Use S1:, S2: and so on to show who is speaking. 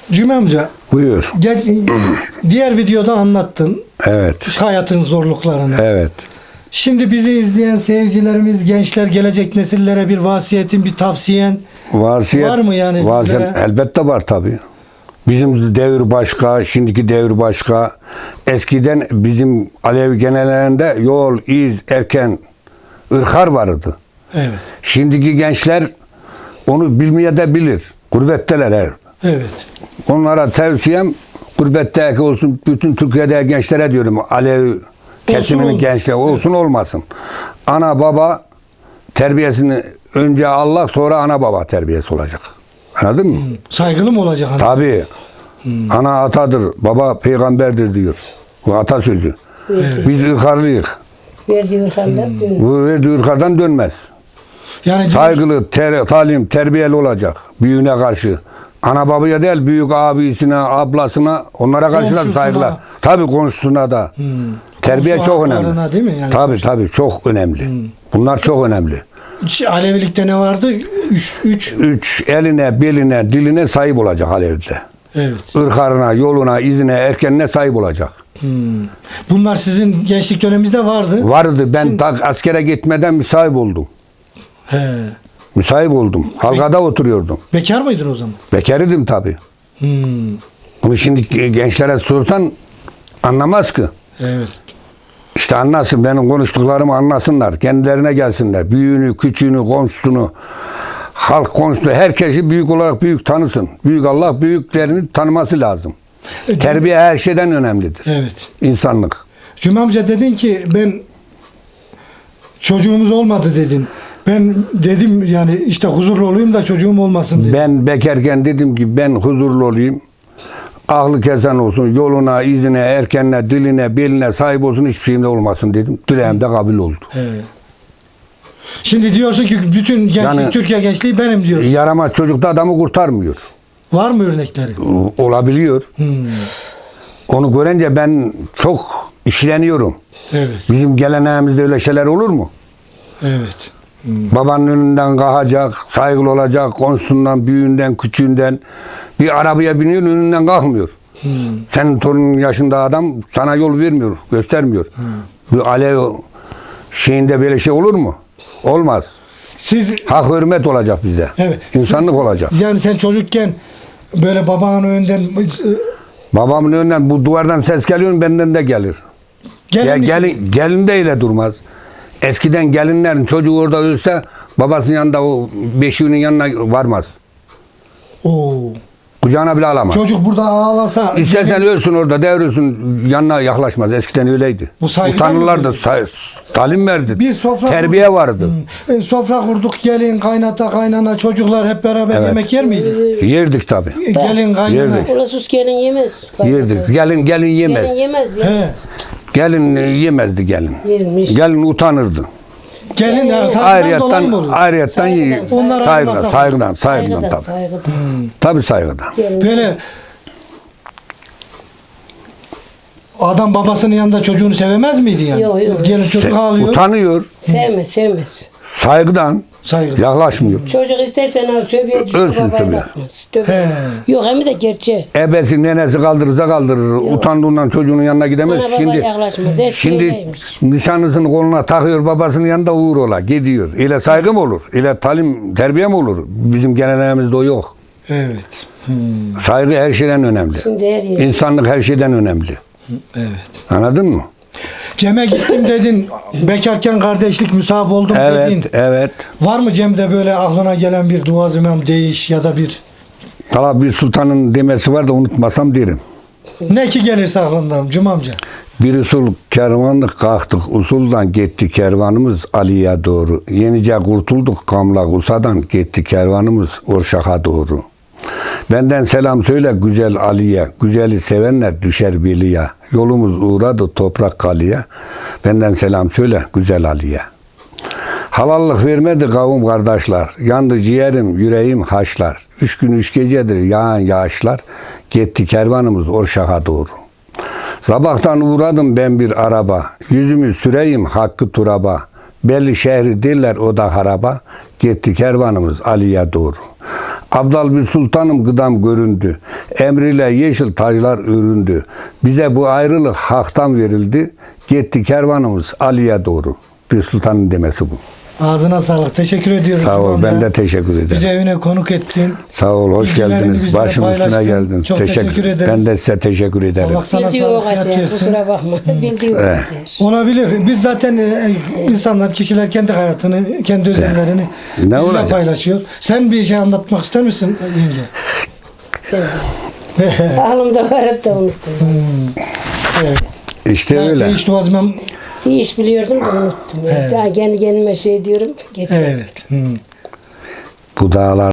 S1: Cüme amca,
S2: Buyur.
S1: diğer videoda anlattın
S2: Evet.
S1: hayatın zorluklarını.
S2: Evet.
S1: Şimdi bizi izleyen seyircilerimiz, gençler, gelecek nesillere bir vasiyetin, bir tavsiyen
S2: Vasiyet,
S1: var mı yani
S2: vasiyet
S1: bizlere?
S2: elbette var tabii. Bizim devir başka, şimdiki devir başka. Eskiden bizim Alevi genelerinde yol, iz, erken, ırkar vardı.
S1: Evet.
S2: Şimdiki gençler onu bilmeye de bilir. Gurbetteler her.
S1: Evet.
S2: Onlara tavsiyem gurbetteki olsun, bütün Türkiye'de gençlere diyorum, Alevi kesiminin
S1: olmasın.
S2: gençleri olsun olmasın. Ana baba terbiyesini önce Allah, sonra ana baba terbiyesi olacak. Anladın mı?
S1: Saygılı mı olacak hanım?
S2: Tabii. Ana atadır, baba peygamberdir diyor. Bu atasözü. Biz ırkarlıyız.
S3: Verdiği ırkandan
S2: Bu verdiği ırkardan dönmez.
S1: Yani
S2: Saygılı, talim, terbiyeli olacak büyüğüne karşı. Ana babaya değil, büyük abisine, ablasına, onlara karşı da
S1: Komşusuna.
S2: saygılar. Tabii komşusuna da. Terbiye
S1: komşu
S2: çok
S1: haklarına
S2: önemli.
S1: değil mi? Yani
S2: Tabii çok önemli. Bunlar çok önemli.
S1: Alevilikte ne vardı? Üç.
S2: Üç, eline, beline, diline sahip olacak Alevi'de.
S1: Evet.
S2: Irkarına, yoluna, izine, erkenine sahip olacak.
S1: Bunlar sizin gençlik döneminizde vardı.
S2: Vardı. Ben askere gitmeden müsahip oldum.
S1: He.
S2: Müsahip oldum. Halkada oturuyordum.
S1: Bekar mıydın o zaman?
S2: Bekar idim tabii.
S1: Hmm.
S2: Bunu şimdi gençlere sorsan anlamaz ki.
S1: Evet.
S2: İşte anlasın, benim konuştuklarımı anlasınlar. Kendilerine gelsinler. Büyüğünü, küçüğünü, komşusunu, halk komşusunu, herkesi büyük olarak büyük tanısın. Büyük Allah büyüklerini tanıması lazım. Terbiye her şeyden önemlidir.
S1: Evet.
S2: İnsanlık.
S1: Cuma amca dedin ki ben çocuğumuz olmadı dedin. Ben dedim yani işte huzurlu olayım da çocuğum olmasın dedim.
S2: Ben bekarken dedim ki ben huzurlu olayım. Aklı kesen olsun, yoluna, izine, erkenine, diline, beline sahip olsun, hiçbir şeyimde olmasın dedim. Dileğim de kabul oldu.
S1: Evet. Şimdi diyorsun ki bütün gençlik,
S2: Yani-
S1: Türkiye gençliği benim diyorsun.
S2: Yaramaz çocuk da adamı kurtarmıyor.
S1: Var mı örnekleri?
S2: Olabiliyor.
S1: Hmm.
S2: Onu görünce ben çok işleniyorum.
S1: Evet.
S2: Bizim geleneğimizde öyle şeyler olur mu?
S1: Evet.
S2: Babanın önünden kalkacak, saygılı olacak, komşusundan, büyüğünden, küçüğünden. Bir arabaya biniyor, önünden kalkmıyor. Senin torunun yaşında adam sana yol vermiyor, göstermiyor. Bu Alev şeyinde böyle şey olur mu? Olmaz.
S1: Siz
S2: Hak hürmet olacak bize.
S1: evet.
S2: İnsanlık olacak.
S1: Yani sen çocukken böyle babanın önünden
S2: Babamın önünden bu duvardan ses geliyor, benden de gelir. Gelin de öyle durmaz. Eskiden gelinlerin çocuğu orada ölse babasının yanında o beşiğinin yanına varmaz.
S1: Oo.
S2: Kucağına bile alamaz.
S1: Çocuk burada ağlasa
S2: İstersen ölsün orada, devrilsin, yanına yaklaşmaz. Eskiden öyleydi.
S1: Bu saygıdan
S2: Utanırlardı,
S1: mı
S2: talim verdi.
S1: bir sofra
S2: Terbiye vardı.
S1: Sofra kurduk, gelin, kaynata, kaynana, çocuklar hep beraber
S2: Evet.
S1: yemek yer miydi?
S2: Yerdik tabi.
S1: Gelin, kaynana.
S2: Yerdik.
S3: Ulasus gelin yemez.
S2: Yerdik. Gelin yemez.
S3: Gelin yemez ya.
S1: He.
S2: Gelin yemezdi gelin.
S3: Yermiş.
S2: Gelin utanırdı.
S1: Gelin ya saygıdan dolayı mı oluyor?
S2: Ayrıyetten
S3: Saygıdan,
S2: saygıdan
S3: Saygıdan,
S2: tabi.
S3: saygıdan.
S2: Tabi saygıdan.
S3: Gelin.
S1: Böyle adam babasının yanında çocuğunu sevemez miydi yani?
S3: Yok, yok.
S1: Gelin çocuk ağlıyor.
S2: Utanıyor.
S3: Sevmez.
S2: Saygıdan
S1: Saygı.
S2: yaklaşmıyor.
S3: Çocuk istersen al sövüye düşür,
S2: Ölsün
S3: babaya
S2: sövüye.
S3: bakmaz.
S1: He.
S3: Yok hem de gerçeği.
S2: Ebesi nenesi kaldırırsa kaldırır. Utandığından çocuğunun yanına gidemez.
S3: Ana baba
S2: Şimdi
S3: yaklaşmaz. Hep
S2: şimdi
S3: öyleymiş.
S2: nişanlısını koluna takıyor, babasının yanında uğur ola gidiyor. İle saygı mı olur? İle talim, terbiye mi olur? Bizim geleneğimizde o yok.
S1: Evet.
S2: Saygı her şeyden önemli.
S3: Şimdi her yer.
S2: İnsanlık her şeyden önemli.
S1: Evet.
S2: Anladın mı?
S1: Cem'e gittim dedin. Bekarken kardeşlik müsahap oldum dedin.
S2: Evet.
S1: Var mı Cem'de böyle aklına gelen bir duaz imam değiş ya da bir
S2: Valla bir sultanın demesi var da unutmasam derim.
S1: ne ki gelirse aklından Cuma amca?
S2: Bir usul kervanlık kalktık, usuldan gitti kervanımız Ali'ye doğru. Yenice kurtulduk Kamlak Usa'dan, gitti kervanımız Orşak'a doğru. Benden selam söyle güzel Ali'ye, güzeli sevenler düşer biliye. Yolumuz uğradı toprak kalıya, benden selam söyle güzel Ali'ye. Halallık vermedi kavim kardeşler, yandı ciğerim, yüreğim haşlar. 3 gün 3 gecedir yağan yağışlar, gitti kervanımız Orşak'a doğru. Sabahtan uğradım ben bir araba, yüzümü süreyim hakkı turaba. Belli şehri diller o da haraba, gitti kervanımız Ali'ye doğru. Abdal bir sultanım gıdam göründü. Emriyle yeşil taclar öründü. Bize bu ayrılık haktan verildi. Gitti kervanımız Ali'ye doğru. Bir sultanın demesi bu.
S1: Ağzına sağlık. Teşekkür ediyorum.
S2: Sağ ol.
S1: İmam
S2: Ben
S1: ya.
S2: de teşekkür ederim.
S1: Bize evine konuk ettin.
S2: Sağ ol. Hoş
S1: Bilgilerini
S2: geldiniz.
S1: bizlerle
S2: Başım üstüne
S1: paylaştın.
S2: geldiniz.
S1: Çok teşekkür ederiz.
S2: Ben de size teşekkür ederim.
S1: Allah sana
S3: Bildiği o
S1: sağlık, sıhhat
S3: kadar.
S1: versin.
S3: Kusura bakma. Bildiği o kadar.
S1: Olabilir. Biz zaten insanlar, kişiler kendi hayatını, kendi özellerini bizimle
S2: olacak?
S1: paylaşıyor. Sen bir şey anlatmak ister misin yenge?
S3: Aklımda var da unuttum.
S1: Evet.
S2: İşte öyle.
S1: Değişti o zaman.
S3: İyi iş biliyordum da unuttum.
S1: Evet.
S3: Daha kendi kendime şey diyorum. Getirdim.
S1: Evet.
S2: Bu dağlar